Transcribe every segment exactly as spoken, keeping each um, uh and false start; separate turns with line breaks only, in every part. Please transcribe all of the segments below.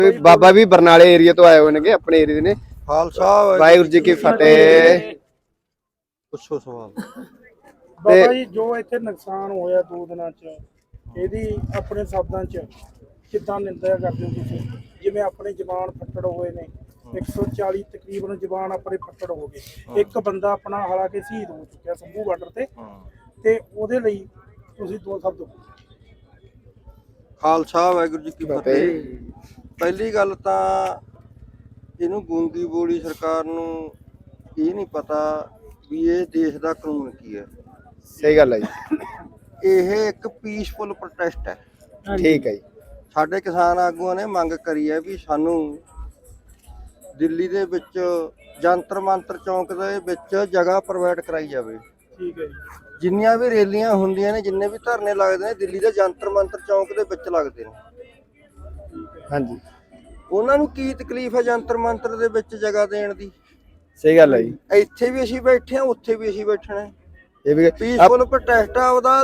बाबा भी बरनाले एरिया तो आए हुए ने अपने एरिया ने।
खालसा
वाहिगुरू जी की फतेह।
ਪੁੱਛੋ ਸਵਾਲ।
ਬਾਬਾ ਜੀ ਜੋ ਇੱਥੇ ਨੁਕਸਾਨ ਹੋਇਆ ਦੋ ਦਿਨਾਂ ਚ ਇਹਦੀ ਆਪਣੇ ਸ਼ਬਦਾਂ ਚ ਕਿੱਦਾਂ ਨਿੰਦਿਆ ਕਰਦੇ ਹੋ ਤੁਸੀਂ? ਜਿਵੇਂ ਆਪਣੇ ਜਵਾਨ ਫੱਟੜ ਹੋਏ ਨੇ ਇੱਕ ਸੌ ਚਾਲੀ ਤਕਰੀਬਨ ਜਵਾਨ ਆਪਣੇ ਫੱਟੜ ਹੋ ਗਏ, ਇੱਕ ਬੰਦਾ ਆਪਣਾ ਹਾਲਾਂਕਿ ਸ਼ਹੀਦ ਹੋ ਚੁੱਕਿਆ ਸੰਭੂ ਬਾਰਡਰ ਤੇ ਤੇ ਉਹਦੇ ਲਈ ਤੁਸੀਂ ਦੋ ਸ਼ਬਦ।
ਖਾਲਸਾ ਵਾਹਿਗੁਰੂ ਜੀ ਕੀ ਫਤਿਹ। ਪਹਿਲੀ ਗੱਲ ਤਾਂ ਇਹਨੂੰ ਗੂੰਗੀ ਬੋਲੀ ਸਰਕਾਰ ਨੂੰ ਇਹ ਨਹੀਂ ਪਤਾ ਵੀ ਇਹ ਦੇਸ਼ ਦਾ ਕਾਨੂੰਨ ਕੀ ਹੈ।
ਸਹੀ ਗੱਲ ਹੈ ਜੀ।
ਇਹ ਇੱਕ ਪੀਸਫੁਲ ਪ੍ਰੋਟੈਸਟ ਹੈ।
ਠੀਕ ਹੈ ਜੀ।
ਸਾਡੇ ਕਿਸਾਨ ਆਗੂਆਂ ਨੇ ਮੰਗ ਕਰੀ ਹੈ ਵੀ ਸਾਨੂੰ ਦਿੱਲੀ ਦੇ ਵਿੱਚ ਜੰਤਰ ਮੰਤਰ ਚੌਂਕ ਦੇ ਵਿੱਚ ਜਗ੍ਹਾ ਪ੍ਰੋਵਾਈਡ ਕਰਾਈ ਜਾਵੇ।
ਠੀਕ ਹੈ ਜੀ।
ਜਿੰਨੀਆਂ ਵੀ ਰੈਲੀਆਂ ਹੁੰਦੀਆਂ ਨੇ, ਜਿੰਨੇ ਵੀ ਧਰਨੇ ਲੱਗਦੇ ਨੇ, ਦਿੱਲੀ ਦੇ ਜੰਤਰ ਮੰਤਰ ਚੌਂਕ ਦੇ ਵਿੱਚ ਲੱਗਦੇ ਨੇ।
ਹਾਂਜੀ।
ਉਹਨਾਂ ਨੂੰ ਕੀ ਤਕਲੀਫ ਹੈ ਜੰਤਰ ਮੰਤਰ ਦੇ ਵਿੱਚ ਜਗ੍ਹਾ ਦੇਣ ਦੀ?
ਸਹੀ ਗੱਲ ਹੈ ਜੀ।
ਇੱਥੇ ਵੀ ਅਸੀਂ ਬੈਠੇ ਹਾਂ, ਉੱਥੇ ਵੀ ਅਸੀਂ ਬੈਠਣਾ।
ਇਹ ਵੀ
ਪੀਸਫੁਲ ਪ੍ਰੋਟੈਸਟ ਆ ਉਹਦਾ।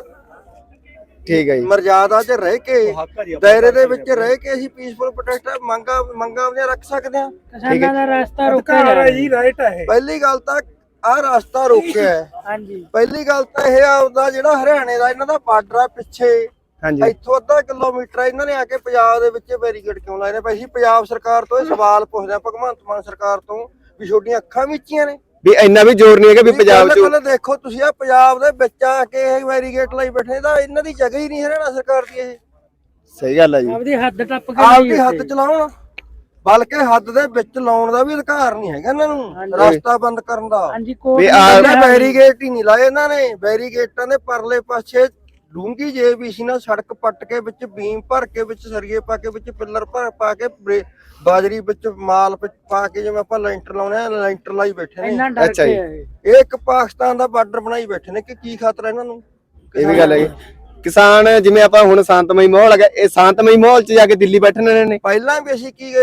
ਠੀਕ ਹੈ ਜੀ।
ਮਰਜ਼ਾਦਾ 'ਚ ਰਹਿ ਕੇ, ਦਾਇਰੇ ਦੇ ਵਿੱਚ ਰਹਿ ਕੇ ਅਸੀਂ ਪੀਸਫੁਲ ਪ੍ਰੋਟੈਸਟ ਮੰਗਾਂ ਮੰਗਾਂ ਆਪਣੀਆਂ ਰੱਖ ਸਕਦੇ ਹਾਂ।
ਕਿਸਾਨਾਂ ਦਾ ਰਸਤਾ ਰੋਕਿਆ ਜਾ ਰਿਹਾ ਜੀ, ਰਾਈਟ ਹੈ।
ਪਹਿਲੀ ਗੱਲ ਤਾਂ ਆਹ ਰਸਤਾ ਰੋਕਿਆ ਹੈ।
ਹਾਂਜੀ।
ਪਹਿਲੀ ਗੱਲ ਤਾਂ ਇਹ ਆਪਦਾ ਜਿਹੜਾ ਹਰਿਆਣੇ ਦਾ ਇਹਨਾਂ ਦਾ ਬਾਰਡਰ ਆ ਪਿੱਛੇ,
ਹਾਂਜੀ,
ਇੱਥੋਂ ਅੱਧਾ ਕਿਲੋਮੀਟਰ ਇਹਨਾਂ ਨੇ ਆ ਕੇ ਪੰਜਾਬ ਦੇ ਵਿੱਚ ਬੈਰੀਕੇਡ ਕਿਉਂ ਲਾਏ ਨੇ? ਭਾਈ ਅਸੀਂ ਪੰਜਾਬ ਸਰਕਾਰ ਤੋਂ ਇਹ ਸਵਾਲ ਪੁੱਛਦੇ ਆ, ਭਗਵੰਤ ਮਾਨ ਸਰਕਾਰ ਤੋਂ, ਵੀ ਤੁਹਾਡੀਆਂ ਅੱਖਾਂ ਮੀਚੀਆਂ ਨੇ
ਵੀ ਇੰਨਾ ਵੀ ਜ਼ੋਰ ਨਹੀਂ ਹੈਗਾ ਵੀ ਪੰਜਾਬ ਚ।
ਪਹਿਲਾਂ ਦੇਖੋ ਤੁਸੀਂ ਆ ਪੰਜਾਬ ਦੇ ਵਿੱਚ ਆ ਕੇ ਇਹ ਬੈਰੀਕੇਡ ਲਾਈ ਬੈਠੇ, ਤਾਂ ਇਹਨਾਂ ਦੀ ਜਗ੍ਹਾ ਹੀ ਨਹੀਂ ਹਰਿਆਣਾ ਸਰਕਾਰ ਦੀ। ਇਹ
ਸਹੀ ਗੱਲ ਹੈ ਜੀ।
ਆਪਦੀ ਹੱਦ ਟੱਪ ਕੇ
ਆਪਦੀ ਹੱਦ ਚਲਾਉਣ, ਬਲਕਿ ਹੱਦ ਦੇ ਵਿੱਚ ਲਾਉਣ ਦਾ ਵੀ ਅਧਿਕਾਰ ਨਹੀਂ ਹੈਗਾ ਇਹਨਾਂ ਨੂੰ, ਰਸਤਾ ਬੰਦ ਕਰਨ ਦਾ।
ਹਾਂਜੀ।
ਵੀ ਆ
ਬੈਰੀਕੇਡ ਹੀ ਨਹੀਂ ਲਾਏ ਇਹਨਾਂ ਨੇ। ਬੈਰੀਕੇਡਾਂ ਦੇ ਪਰਲੇ ਪਾਸੇ ਡੂੰਗੀ ਜੇਬੀਸੀ ਨਾਲ ਸੜਕ ਪੱਟ ਕੇ ਵਿੱਚ ਬੀਮ ਭਰ ਕੇ, ਵਿੱਚ ਸਰੀਏ ਪਾ ਕੇ, ਵਿੱਚ ਪਿੱਲਰ ਭਰ ਪਾ ਕੇ, ਬਾਜਰੀ ਵਿੱਚ ਮਾਲ ਪਾ ਕੇ, ਜਿਵੇਂ ਆਪਾਂ ਲੈਂਟਰ ਲਾਉਣੇ ਆ, ਲੈਂਟਰ ਲਾਈ ਬੈਠੇ ਨੇ।
ਅੱਛਾ ਜੀ।
ਇਹ ਇੱਕ ਪਾਕਿਸਤਾਨ ਦਾ ਬਾਰਡਰ ਬਣਾਈ ਬੈਠੇ ਨੇ ਕਿ ਕੀ ਖਤਰਾ ਇਹਨਾਂ ਨੂੰ?
ਇਹ ਵੀ ਗੱਲ ਹੈ। ਕਿਸਾਨ ਜਿਵੇਂ ਆਪਾਂ ਹੁਣ ਸ਼ਾਂਤਮਈ ਮਾਹੌਲ ਹੈਗਾ, ਇਹ ਸ਼ਾਂਤਮਈ ਮਾਹੌਲ ਚ ਜਾ ਕੇ ਦਿੱਲੀ ਬੈਠਣੇ ਨੇ।
ਪਹਿਲਾਂ ਵੀ ਅਸੀਂ ਕੀ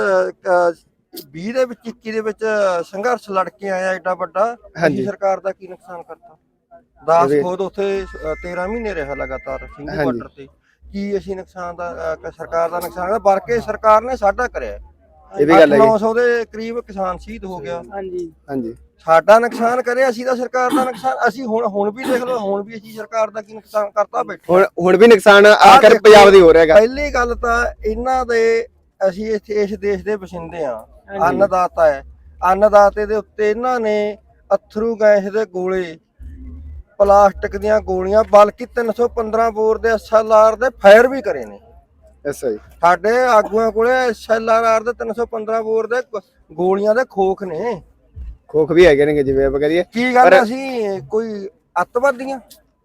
ਕਹਿੰਦੇ ਵੀਹ ਦੇ ਵਿੱਚ ਇੱਕੀ ਦੇ ਵਿੱਚ ਸੰਘਰਸ਼ ਲੜ ਕੇ ਆਇਆ ਏਡਾ ਵੱਡਾ। ਹਾਂਜੀ। ਸਰਕਾਰ ਦਾ ਕੀ ਨੁਕਸਾਨ ਕਰਤਾ? ਦਸ ਖੁਦ ਉੱਥੇ ਤੇਰਾਂ ਮਹੀਨੇ ਰਿਹਾ ਲਗਾਤਾਰ ਸਿੰਘੂ ਬਾਰਡਰ ਤੇ। ਕੀ ਅਸੀਂ ਨੁਕਸਾਨ ਦਾ ਸਰਕਾਰ ਦਾ ਨੁਕਸਾਨ ਕਰਦਾ? ਬਲਕਿ ਸਰਕਾਰ ਨੇ ਸਾਡਾ ਕਰਿਆ।
ਇਹ ਵੀ ਗੱਲ ਹੈ।
ਨੌ ਸੌ ਦੇ ਕਰੀਬ ਕਿਸਾਨ ਸ਼ਹੀਦ ਹੋ ਗਿਆ।
ਹਾਂਜੀ।
ਹਾਂਜੀ।
ਸਾਡਾ ਨੁਕਸਾਨ ਕਰਿਆ, ਅਸੀਂ ਤਾਂ ਸਰਕਾਰ ਦਾ ਨੁਕਸਾਨ। ਅਸੀਂ ਹੁਣ ਹੁਣ ਵੀ ਦੇਖ ਲਓ, ਹੁਣ ਵੀ ਅਸੀਂ ਸਰਕਾਰ ਦਾ ਕੀ ਨੁਕਸਾਨ ਕਰਤਾ ਬੈਠੇ।
ਹੁਣ ਹੁਣ ਵੀ ਨੁਕਸਾਨ ਆਖਰ ਪੰਜਾਬ ਦੀ ਹੋ ਰਿਹਾ ਹੈਗਾ।
ਪਹਿਲੀ ਗੱਲ ਤਾਂ ਇਹਨਾਂ ਦੇ, ਅਸੀਂ ਇੱਥੇ ਇਸ ਦੇਸ਼ ਦੇ ਵਸਿੰਦੇ ਆ, ਅੰਨਦਾਤਾ ਹੈ। ਅੰਨਦਾਤੇ ਦੇ ਉੱਤੇ ਇਹਨਾਂ ਨੇ ਅਥਰੂ ਗੈਸ ਦੇ ਗੋਲੇ, ਪਲਾਸਟਿਕ ਦੀਆਂ ਗੋਲੀਆਂ, ਬਲਕਿ ਤਿੰਨ ਸੌ ਪੰਦਰਾਂ ਬੋਰ ਦੇ ਐਸ ਐਲ ਆਰ ਦੇ ਫਾਇਰ ਵੀ ਕਰੇ ਨੇ।
ਅੱਛਾ ਜੀ।
ਸਾਡੇ ਆਗੂਆਂ ਕੋਲੇ ਐਸ ਐਲ ਆਰ ਦੇ ਤਿੰਨ ਸੌ ਪੰਦਰਾਂ ਬੋਰ ਦੇ ਗੋਲੀਆਂ ਦੇ ਖੋਖ ਨੇ।
ਖੋਖ ਵੀ ਹੈਗੇ ਨੇ ਜਿਵੇਂ ਆਪਾਂ ਕਰੀਏ।
ਕੀ ਗੱਲ ਅਸੀਂ ਕੋਈ ਅੱਤਵਾਦੀਆਂ?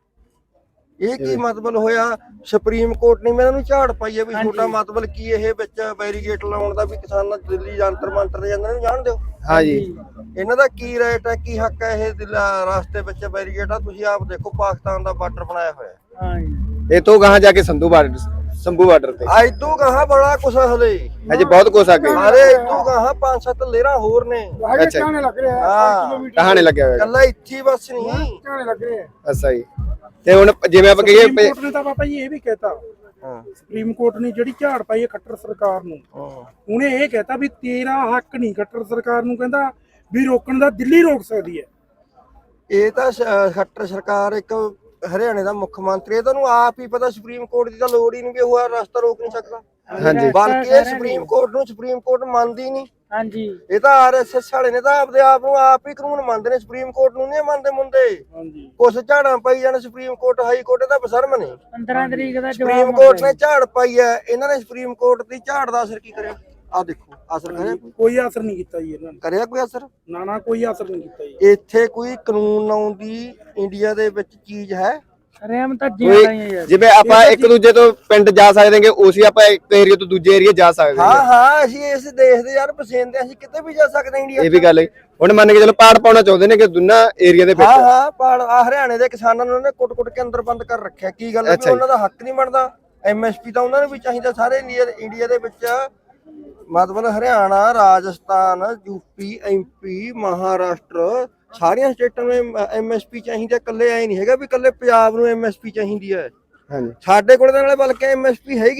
ਇਹ ਕੀ ਮਤਲਬ ਹੋਇਆ? ਸੁਪਰੀਮ ਕੋਰਟ ਨੇ ਇਹਨਾਂ ਨੂੰ ਝਾੜ ਪਾਈ ਹੈ ਵੀ ਛੋਟਾ ਮਤਲਬ ਕੀ ਇਹ ਵਿੱਚ ਬੈਰੀਕੇਡ ਲਾਉਣ ਦਾ, ਵੀ ਕਿਸਾਨਾਂ ਦਿੱਲੀ ਜੰਤਰ ਮੰਤਰ ਦੇ ਜਾਂਦੇ ਨੂੰ ਜਾਣ ਦਿਓ।
ਹਾਂਜੀ।
ਇਹਨਾਂ ਦਾ ਕੀ ਰਾਈਟ ਹੈ, ਕੀ ਹੱਕ ਹੈ? ਇਹ ਰਸਤੇ ਵਿੱਚ ਬੈਰੀਕੇਡ ਆ, ਤੁਸੀਂ ਆਪ ਦੇਖੋ ਪਾਕਿਸਤਾਨ ਦਾ ਬਾਰਡਰ ਬਣਾਇਆ ਹੋਇਆ।
ਹਾਂਜੀ।
ਇਹ ਤੋਂ ਗਾਹਾਂ ਜਾ ਕੇ ਸੰਧੂ ਬਾਰਡਰ, ਸੰਭੂ ਬਾਰਡਰ ਤੇ
ਅੱਜ ਤੋਂ ਗਾਹਾਂ ਬੜਾ ਕੁਛ ਹਲੇ,
ਅਜੇ ਬਹੁਤ ਕੁਛ ਆ ਗਿਆ।
ਅਰੇ ਇਦੋਂ ਗਾਹਾਂ ਪੰਜ ਸੱਤ ਲੇਰਾਂ ਹੋਰ ਨੇ।
ਅੱਛਾ ਜੀ।
ਲੱਗ ਰਿਹਾ
ਹਾਂ,
ਕਹਾਣੇ ਲੱਗਿਆ ਹੋਇਆ।
ਕੱਲਾ ਇੱਥੇ ਬਸ ਨਹੀਂ,
ਕਹਾਣੇ ਲੱਗ ਰਿਹਾ।
ਅੱਛਾ ਜੀ। ਤੇ ਹੁਣ ਜਿਵੇਂ ਆਪਾਂ ਕਹੀਏ,
ਸੁਪਰੀਮ ਕੋਰਟ ਨੇ ਤਾਂ ਬਾਬਾ ਜੀ ਇਹ ਵੀ ਕਹਿਤਾ,
ਹਾਂ,
ਸੁਪਰੀਮ ਕੋਰਟ ਨੇ ਜਿਹੜੀ ਝਾੜ ਪਾਈ ਹੈ ਖੱਟਰ ਸਰਕਾਰ ਨੂੰ, ਉਹਨੇ ਇਹ ਕਹਿਤਾ ਵੀ ਤੇਰਾ ਹੱਕ ਨਹੀਂ ਖੱਟਰ ਸਰਕਾਰ ਨੂੰ, ਕਹਿੰਦਾ ਵੀ ਰੋਕਣ ਦਾ, ਦਿੱਲੀ ਰੋਕ ਸਕਦੀ ਹੈ।
ਇਹ ਤਾਂ ਖੱਟਰ ਸਰਕਾਰ ਇੱਕ ਹਰਿਆਣੇ ਦਾ ਮੁੱਖ ਮੰਤਰੀ, ਇਹ ਤੁਹਾਨੂੰ ਆਪ ਹੀ ਪਤਾ। ਸੁਪਰੀਮ ਕੋਰਟ ਦੀ ਤਾਂ ਲੋੜ ਹੀ ਨਹੀਂ ਵੀ ਉਹ ਰਸਤਾ ਰੋਕ ਨਹੀਂ ਸਕਦਾ।
ਹਾਂਜੀ।
ਬਲਕਿ ਇਹ ਸੁਪਰੀਮ ਕੋਰਟ ਨੂੰ ਸੁਪਰੀਮ ਕੋਰਟ ਮੰਨਦੀ ਨਹੀਂ।
ਹਾਂਜੀ।
ਇਹ ਤਾਂ ਆਰ ਐਸ ਐਸ ਵਾਲੇ ਨੇ ਤਾਂ ਆਪਦੇ ਆਪ ਨੂੰ ਆਪ ਹੀ ਕਾਨੂੰਨ ਮੰਨਦੇ ਨੇ, ਸੁਪਰੀਮ ਕੋਰਟ ਨੂੰ ਨਹੀਂ ਮੰਨਦੇ ਮੁੰਡੇ।
ਹਾਂਜੀ।
ਕੁਛ ਝਾੜਾਂ ਪਾਈ ਜਾਣ ਸੁਪਰੀਮ ਕੋਰਟ, ਹਾਈ ਕੋਰਟ ਦਾ ਬਸ਼ਰਮ ਨੇ।
ਪੰਦਰਾਂ ਤਰੀਕ ਦਾ
ਸੁਪਰੀਮ ਕੋਰਟ ਨੇ ਝਾੜ ਪਾਈ ਹੈ, ਇਹਨਾਂ ਨੇ ਸੁਪਰੀਮ ਕੋਰਟ ਦੀ ਝਾੜ ਦਾ ਅਸਰ ਕੀ ਕਰਿਆ? ਆ ਦੇਖੋ, ਅਸਰ ਕਰਿਆ?
ਕੋਈ ਅਸਰ ਨਹੀਂ ਕੀਤਾ ਜੀ ਇਹਨਾਂ ਨੇ।
ਕਰਿਆ ਕੋਈ ਅਸਰ?
ਨਾ ਨਾ, ਕੋਈ ਅਸਰ ਨਹੀਂ ਕੀਤਾ ਜੀ।
ਇੱਥੇ ਕੋਈ ਕਾਨੂੰਨ ਲਾਉਣ ਦੀ ਇੰਡੀਆ ਦੇ ਵਿੱਚ ਚੀਜ਼ ਹੈ?
ਰਹਿਮ ਤਾਂ ਜਿਆਦਾ ਹੀ ਯਾਰ।
ਜਿਵੇਂ ਆਪਾਂ ਇੱਕ ਦੂਜੇ ਤੋਂ ਪਿੰਡ ਜਾ ਸਕਦੇ ਹਾਂਗੇ, ਉਸੇ ਆਪਾਂ ਇੱਕ ਏਰੀਆ ਤੋਂ ਦੂਜੇ ਏਰੀਆ ਜਾ ਸਕਦੇ ਹਾਂ।
ਹਾਂ ਹਾਂ, ਅਸੀਂ ਇਸ ਦੇਸ਼ ਦੇ ਯਾਰ ਵਸਿੰਦੇ, ਅਸੀਂ ਕਿਤੇ ਵੀ ਜਾ ਸਕਦੇ ਹਾਂ ਇੰਡੀਆ।
ਇਹ ਵੀ ਗੱਲ ਹੈ। ਹੁਣ ਮੰਨ ਕੇ ਚਲੋ ਪਾੜ ਪਾਉਣਾ ਚਾਹੁੰਦੇ ਨੇ ਕਿ ਦੋਨਾਂ ਏਰੀਆ ਦੇ ਵਿੱਚ।
ਹਾਂ ਹਾਂ, ਪਾੜ ਆ ਹਰਿਆਣੇ ਦੇ ਕਿਸਾਨਾਂ ਨੂੰ ਉਹਨੇ ਕੁੱਟ ਕੁੱਟ ਕੇ ਅੰਦਰ ਬੰਦ ਕਰ ਰੱਖਿਆ। ਕੀ ਗੱਲ ਹੈ ਵੀ ਉਹਨਾਂ ਦਾ ਹੱਕ ਨਹੀਂ ਬਣਦਾ? ਐਮ ਐਸ ਪੀ ਤਾਂ ਉਹਨਾਂ ਨੂੰ ਵੀ ਚਾਹੀਦਾ ਸਾਰੇ ਇੰਡੀਆ ਇੰਡੀਆ ਦੇ ਵਿੱਚ। ਮਤਲਬ Haryana, Rajasthan, UP, M P, Maharashtra, ਸਾਰੀਆਂ ਸਟੇਟਾਂ ਨੂੰ ਐਮ ਐਸ ਪੀ ਚਾਹੀਦਾ। ਇਕੱਲੇ ਐ ਨਹੀਂ ਹੈਗਾ ਵੀ ਇਕੱਲੇ ਪੰਜਾਬ ਨੂੰ ਐਮ ਐਸ ਪੀ ਚਾਹੀਦੀ ਹੈ।
ਹਾਂਜੀ।
ਸਾਡੇ ਕੋਲ ਤਾਂ ਨਾਲੇ ਬਲਕਿ ਐਮ ਐਸ ਪੀ ਹੈਗੀ,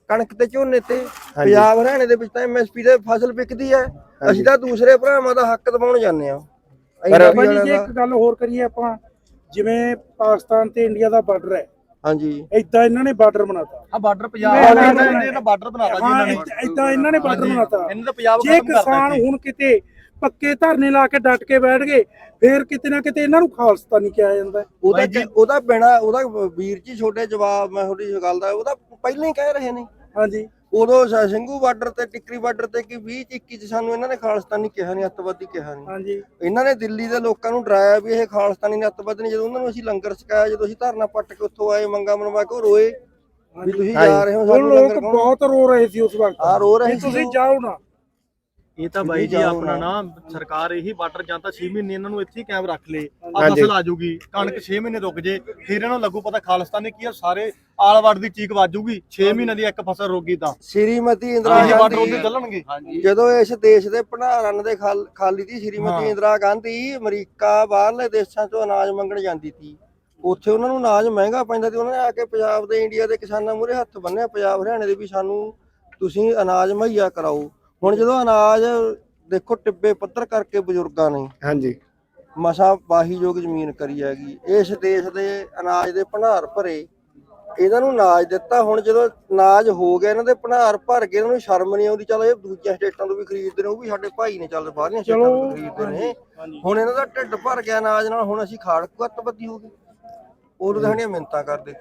ਕਣਕ ਤੇ ਝੋਨੇ ਤੇ। ਪੰਜਾਬ ਹਰਿਆਣੇ ਦੇ ਵਿੱਚ ਤਾਂ ਐਮਐਸਪੀ ਤੇ ਫਸਲ ਵਿਕਦੀ ਹੈ, ਅਸੀਂ ਤਾਂ ਦੂਸਰੇ ਭਰਾਵਾਂ ਦਾ ਹੱਕ ਦਬਾਉਣ ਜਾਂਦੇ ਆ।
ਪਰ ਬਾਬਾ ਜੀ ਜੇ ਇੱਕ ਗੱਲ ਹੋਰ ਕਰੀਏ ਆਪਾਂ, ਜਿਵੇਂ ਪਾਕਿਸਤਾਨ ਤੇ ਇੰਡੀਆ ਦਾ ਬਾਰਡਰ ਹੈ,
ਹਾਂਜੀ
ਏਦਾਂ ਇਹਨਾਂ ਨੇ ਬਾਰਡਰ ਬਣਾਤਾ।
ਆ ਬਾਰਡਰ ਪੰਜਾਬ ਇਹਨਾਂ ਬਾਰਡਰ ਬਣਾਤਾ ਜੀ ਇਹਨਾਂ ਨੇ,
ਏਦਾਂ ਇਹਨਾਂ ਨੇ ਬਾਰਡਰ ਬਣਾਤਾ।
ਇਹਨਾਂ ਦਾ ਪੰਜਾਬ
ਜੇ ਕਿਸਾਨ ਹੁਣ ਕਿਤੇ ਪੱਕੇ ਧਰਨੇ ਲਾ ਕੇ ਡਟ ਕੇ ਬੈਠ ਗਏ, ਫੇਰ ਕਿਤੇ ਨਾ ਕਿਤੇ ਇਹਨਾਂ ਨੂੰ ਖਾਲਸਤਾਨੀ ਕਿਹਾ ਜਾਂਦਾ।
ਉਹਦਾ ਉਹਦਾ ਬਿਨਾ ਉਹਦਾ ਵੀਰ ਜੀ ਛੋਟੇ ਜਵਾਬ ਮੈਂ ਤੁਹਾਡੀ ਗੱਲ ਦਾ ਉਹਦਾ ਪਹਿਲਾਂ ਹੀ ਕਹਿ ਰਹੇ ਨੇ।
ਹਾਂਜੀ
ਉਦੋਂ ਸਿੰਘੂ ਬਾਰਡਰ ਤੇ ਟਿੱਕਰੀ ਬਾਰਡਰ ਤੇ ਕਿ ਵੀਹ ਚ ਇੱਕੀ ਚ ਸਾਨੂੰ ਇਹਨਾਂ ਨੇ ਖਾਲਸਤਾਨੀ ਕਿਹਾ ਨਹੀਂ, ਅੱਤਵਾਦੀ ਕਿਹਾ ਨਹੀਂ।
ਹਾਂਜੀ
ਇਹਨਾਂ ਨੇ ਦਿੱਲੀ ਦੇ ਲੋਕਾਂ ਨੂੰ ਡਰਾਇਆ ਵੀ ਇਹ ਖਾਲਸਤਾਨੀ ਨੇ ਅੱਤਵਾਦੀ ਨੇ। ਜਦੋਂ ਉਹਨਾਂ ਨੂੰ ਅਸੀਂ ਲੰਗਰ ਛਕਾਇਆ, ਜਦੋਂ ਅਸੀਂ ਧਰਨਾ ਪੱਟ ਕੇ ਉੱਥੋਂ ਆਏ ਮੰਗਾ ਮਨਵਾ ਕੇ, ਉਹ ਰੋਏ ਵੀ ਤੁਸੀਂ ਜਾ ਰਹੇ ਹੋ ਸਾਨੂੰ
ਲੋਕ ਬਹੁਤ ਰੋ ਰਹੇ ਸੀ ਉਸ ਵਕਤ।
ਆ ਰੋ ਰਹੇ ਸੀ
ਤੁਸੀਂ ਜਾਓ ਨਾ।
ਇਹ ਤਾਂ ਬਾਈ ਜੀ ਆਪਣਾ ਨਾ ਸਰਕਾਰ ਇਹੀ ਬਾਰਡਰ ਜਾਂ ਤਾਂ ਛੇ ਮਹੀਨੇ ਇਹਨਾਂ ਨੂੰ ਇੱਥੇ ਹੀ ਕਾਇਮ ਰੱਖ ਲੇ, ਆ ਫਸਲ ਆ ਜਾਊਗੀ, ਕਣਕ ਛੇ ਮਹੀਨੇ ਰੁਕ ਜੇ, ਫਿਰ ਇਹਨਾਂ ਨੂੰ ਲੱਗੂ ਪਤਾ ਖਾਲਿਸਤਾਨੀ ਕੀ ਆ, ਸਾਰੇ ਆਲਵੜ ਦੀ ਚੀਕ ਵੱਜੂਗੀ। ਛੇ ਮਹੀਨੇ ਦੀ ਇੱਕ ਫਸਲ ਰੁਕ ਗਈ ਤਾਂ
ਸ਼੍ਰੀਮਤੀ ਇੰਦਰਾ
ਇਹ ਬਾਰਡਰ ਉੱਤੇ
ਗਾਂਧੀ
ਚੱਲਣਗੇ।
ਜਦੋਂ ਇਸ ਦੇਸ਼ ਦੇ ਭੰਡਾਰਨ ਦੇ ਖਾਲੀ ਦੀ ਸ਼੍ਰੀਮਤੀ ਇੰਦਰਾ ਗਾਂਧੀ ਅਮਰੀਕਾ ਬਾਹਰਲੇ ਦੇਸ਼ਾਂ ਤੋਂ ਅਨਾਜ ਮੰਗਣ ਜਾਂਦੀ ਸੀ, ਉੱਥੇ ਉਹਨਾਂ ਨੂੰ ਅਨਾਜ ਮਹਿੰਗਾ ਪੈਂਦਾ ਸੀ। ਉਹਨਾਂ ਨੇ ਆ ਕੇ ਪੰਜਾਬ ਦੇ ਇੰਡੀਆ ਦੇ ਕਿਸਾਨਾਂ ਮੂਹਰੇ ਹੱਥ ਬੰਨਿਆ, ਪੰਜਾਬ ਹਰਿਆਣੇ ਦੇ ਵੀ ਸਾਨੂੰ ਤੁਸੀਂ ਅਨਾਜ ਮੁਹੱਈਆ ਕਰਾਓ। ਹੁਣ ਜਦੋਂ ਅਨਾਜ ਦੇਖੋ ਟਿੱਬੇ ਪੱਧਰ ਕਰਕੇ ਬਜ਼ੁਰਗਾਂ ਨੇ
ਹਾਂਜੀ
ਮਸਾ ਵਾਹੀਯੋਗ ਜ਼ਮੀਨ ਕਰੀ ਹੈਗੀ, ਇਸ ਦੇਸ਼ ਦੇ ਅਨਾਜ ਦੇ ਭੰਡਾਰ ਭਰੇ, ਇਹਨਾਂ ਨੂੰ ਅਨਾਜ ਦਿੱਤਾ। ਹੁਣ ਜਦੋਂ ਅਨਾਜ ਹੋ ਗਿਆ, ਇਹਨਾਂ ਦੇ ਭੰਡਾਰ ਭਰ ਗਏ, ਇਹਨਾਂ ਨੂੰ ਸ਼ਰਮ ਨਹੀਂ ਆਉਂਦੀ। ਚਲੋ ਇਹ ਦੂਜੀਆਂ ਸਟੇਟਾਂ ਤੋਂ ਵੀ ਖਰੀਦਦੇ ਨੇ, ਉਹ ਵੀ ਸਾਡੇ ਭਾਈ ਨੇ, ਚੱਲ ਬਾਹਰਲੀਆਂ ਸਟੇਟਾਂ ਤੋਂ ਖਰੀਦਦੇ ਨੇ। ਹੁਣ ਇਹਨਾਂ ਦਾ ਢਿੱਡ ਭਰ ਗਿਆ ਅਨਾਜ ਨਾਲ, ਹੁਣ ਅਸੀਂ ਖਾੜਕੂ ਅੱਤਵਾਦੀ ਹੋ ਗਏ। ਉਦੋਂ ਤਾਂ ਸਾਡੀਆਂ ਮਿੰਨਤਾਂ ਕਰਦੇ।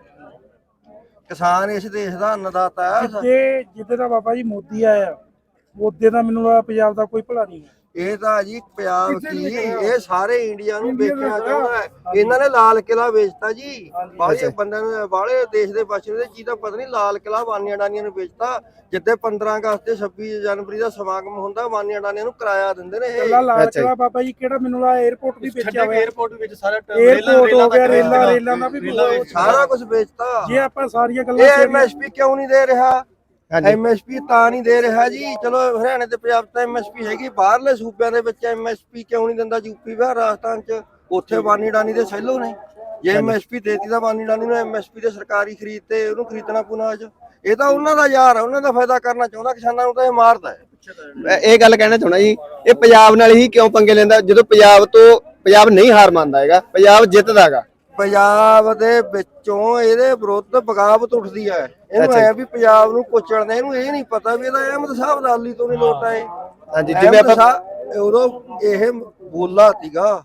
ਕਿਸਾਨ ਇਸ ਦੇਸ਼ ਦਾ ਅੰਨਦਾਤਾ ਹੈ।
ਜੇ ਜਿੱਦੇ ਦਾ ਬਾਬਾ ਜੀ ਮੋਦੀ ਆਇਆ, ਉਹਦੇ ਦਾ ਮੈਨੂੰ ਲੱਗਦਾ ਪੰਜਾਬ ਦਾ ਕੋਈ ਭਲਾ ਨਹੀਂ ਹੈ।
ਇਹ ਤਾਂ ਜੀ ਪੰਜਾਬ ਕੀ, ਇਹ ਸਾਰੇ ਇੰਡੀਆ ਨੂੰ ਵੇਚਣਾ ਚਾਹੁੰਦਾ ਹੈ। ਇਹਨਾਂ ਨੇ ਲਾਲ ਕਿਲਾ ਵੇਚਤਾ ਜੀ, ਬਾਹਲੇ ਬੰਦਿਆਂ ਨੂੰ, ਬਾਹਲੇ ਦੇਸ਼ ਦੇ ਬਚੇ ਦੇ ਚੀਜ਼ ਦਾ ਪਤਾ ਨਹੀਂ। ਲਾਲ ਕਿਲਾ ਵਾਨੀਆਂ ਡਾਨੀਆਂ ਨੂੰ ਵੇਚਤਾ। ਜਿੱਦੇ ਪੰਦਰਾਂ ਅਗਸਤ ਤੇ ਛੱਬੀ ਜਨਵਰੀ ਦਾ ਸਮਾਗਮ ਹੁੰਦਾ, ਵਾਨੀਆਂ ਡਾਨੀਆਂ ਨੂੰ ਕਿਰਾਇਆ ਦਿੰਦੇ ਨੇ ਇਹ।
ਲਾਲ ਕਿਲਾ ਬਾਬਾ ਜੀ ਕਿਹੜਾ ਮੈਨੂੰ ਲੱਗਦਾ 에어ਪੋਰਟ ਵੀ ਵੇਚਿਆ ਹੋਇਆ।
에어ਪੋਰਟ ਵਿੱਚ ਸਾਰਾ
에어ਪੋਰਟ ਹੋ ਗਿਆ, ਰੇਲਾਂ ਰੇਲਾਂ ਦਾ ਵੀ
ਸਾਰਾ ਕੁਝ ਵੇਚਤਾ।
ਜੇ ਆਪਾਂ ਸਾਰੀਆਂ ਗੱਲਾਂ
ਇਹ ਐਮਐਸਪੀ ਕਿਉਂ ਨਹੀਂ ਦੇ ਰਿਹਾ? ਐਮਐਸਪੀ ਤਾਂ ਨਹੀਂ ਦੇ ਰਿਹਾ ਜੀ। ਚਲੋ ਹਰਿਆਣੇ ਤੇ ਪੰਜਾਬ ਤਾਂ ਐਮਐਸਪੀ ਹੈਗੀ, ਬਾਹਰਲੇ ਸੂਬਿਆਂ ਦੇ ਵਿੱਚ ਐਮਐਸਪੀ ਕਿਉਂ ਨਹੀਂ ਦਿੰਦਾ? ਯੂਪੀ ਬਿਹਾਰ ਰਾਜਸਥਾਨ ਚ ਉੱਥੇ ਵਾਨੀ ਡਾਨੀ ਦੇ ਸੈਲੋ ਨੇ। ਜੇ ਐਮਐਸਪੀ ਦੇਤੀ ਤਾਂ ਵਾਨੀ ਡਾਨੀ ਨੂੰ ਐਮਐਸਪੀ ਦੇ ਸਰਕਾਰੀ ਖਰੀਦ ਤੇ ਉਹਨੂੰ ਖਰੀਦਣਾ ਪੂਣਾ ਅੱਜ। ਇਹ ਤਾਂ ਉਹਨਾਂ ਦਾ ਯਾਰ ਹੈ, ਉਹਨਾਂ ਦਾ ਫਾਇਦਾ ਕਰਨਾ ਚਾਹੁੰਦਾ। ਕਿਸਾਨਾਂ ਨੂੰ ਤਾਂ ਇਹ ਮਾਰਦਾ ਹੈ।
ਇਹ ਗੱਲ ਕਹਿਣਾ ਚਾਹੁੰਦਾ ਜੀ, ਇਹ ਪੰਜਾਬ ਨਾਲ ਹੀ ਕਿਉਂ ਪੰਗੇ ਲੈਂਦਾ? ਜਦੋਂ ਪੰਜਾਬ ਤੋਂ ਪੰਜਾਬ ਨਹੀਂ ਹਾਰ ਮੰਨਦਾ ਹੈਗਾ, ਪੰਜਾਬ ਜਿੱਤਦਾ ਹੈਗਾ।
ਪੰਜਾਬ ਦੇ ਵਿੱਚੋਂ ਇਹਦੇ ਵਿਰੁੱਧ ਬਗਾਵਤ ਉੱਠਦੀ ਹੈ। ਇਹਨੂੰ ਐ ਵੀ ਪੰਜਾਬ ਨੂੰ ਕੁਚਲਣਾ। ਇਹਨੂੰ ਇਹ ਨਹੀਂ ਪਤਾ ਵੀ ਇਹਦਾ ਅਹਿਮਦ ਸਾਹਿਬ ਅਬਦਾਲੀ ਤੋਂ ਨਹੀਂ ਲੋਟਾ ਹੈ।
ਹਾਂਜੀ ਜਿਵੇਂ ਆਪਾਂ
ਉਦੋਂ ਇਹ ਬੋਲਾ ਸੀਗਾ,